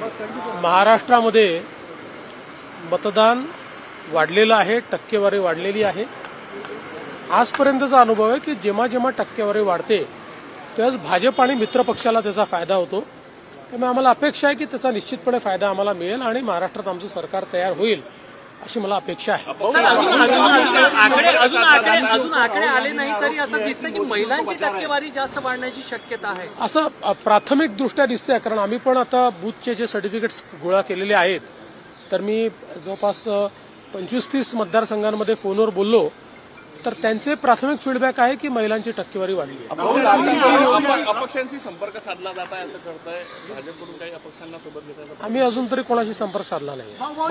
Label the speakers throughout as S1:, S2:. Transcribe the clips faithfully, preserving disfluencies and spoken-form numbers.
S1: महाराष्ट्रामध्ये मतदान वाढलेलं आहे, टक्केवारी वाढलेली आहे। आजपर्यंतचा अनुभव आहे की जेव्हा जेव्हा टक्केवारी वाढते त्याच भाजप आणि मित्र पक्षाला त्याचा फायदा होतो। त्यामुळे आम्हाला अपेक्षा आहे की त्याचा निश्चितपणे फायदा आम्हाला मिळेल आणि महाराष्ट्रात आमचं सरकार तयार होईल अशी मला अपेक्षा आहे।
S2: आकडे अजून आकडे अजून आकडे आले नाही तरी असं दिसतं की महिलांची टक्केवारी जास्त वाढण्याची शक्यता आहे
S1: असं प्राथमिक दृष्ट्या दिसतंय। कारण आम्ही पण आता बूथचे जे सर्टिफिकेट्स गोळा केलेले आहेत तर मी जवळपास पंचवीस तीस मतदारसंघांमध्ये फोनवर बोललो तर त्यांचे प्राथमिक फीडबॅक आहे की महिलांची टक्केवारी वाढली आहे।
S3: अपक्षांशी संपर्क साधला जात आहे असं करताय भाजपकडून, काही अपक्षांना सोबत घेताय?
S1: आम्ही अजून तरी कोणाशी संपर्क साधला नाही।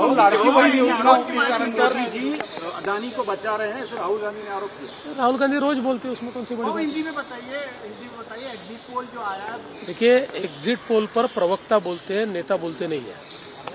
S4: अदानी को बचा रहे हैं ऐसे राहुल गांधी ने आरोप किया।
S1: राहुल गांधी रोज बोलते उसमें कौन सी बड़ी बात?
S4: हिंदी में बताइए, हिंदी में बताइए एग्जिट पोल जो आया।
S1: देखिए एग्जिट पोल पर प्रवक्ता बोलते हैं, नेता बोलते नहीं है।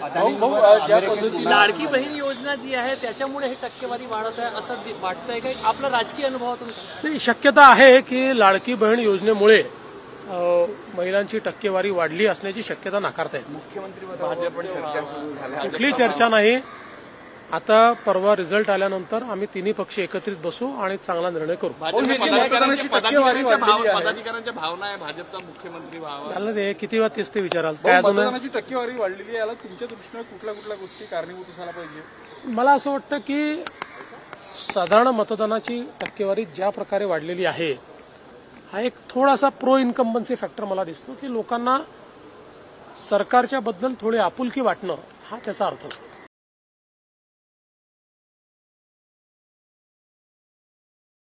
S2: लाडकी बहीण योजना जी आहे त्याच्यामुळे हे टक्केवारी वाढत आहे असं वाटतंय का? आपला राजकीय अनुभवातून
S1: नाही, शक्यता आहे की लाडकी बहीण योजनेमुळे महिलांची टक्केवारी वाढली असण्याची शक्यता नाकारता येत। मुख्यमंत्री कुठली चर्चा नाही। आता परवा रिझल्ट आल्यानंतर आम्ही तिन्ही पक्ष एकत्रित बसू आणि चांगला निर्णय करू।
S3: पदाधिकाऱ्यांच्या भावना आहे भाजपचा मुख्यमंत्री व्हावा,
S1: झालं ते किती वेळा तेच ते विचाराल काय अजून?
S5: मतदानाची टक्केवारी वाढलेली आहे, याला तुमच्या दृष्टीने कुठल्या कुठल्या गोष्टी कारणीभूत असायला पाहिजे?
S1: मला असं वाटतं की साधारण मतदानाची टक्केवारी ज्या प्रकारे वाढलेली आहे हा एक थोडासा प्रो इन्कम्बन्सी फॅक्टर मला दिसतो की लोकांना सरकारच्या बद्दल थोडी आपुलकी वाटणं हा त्याचा अर्थ असतो।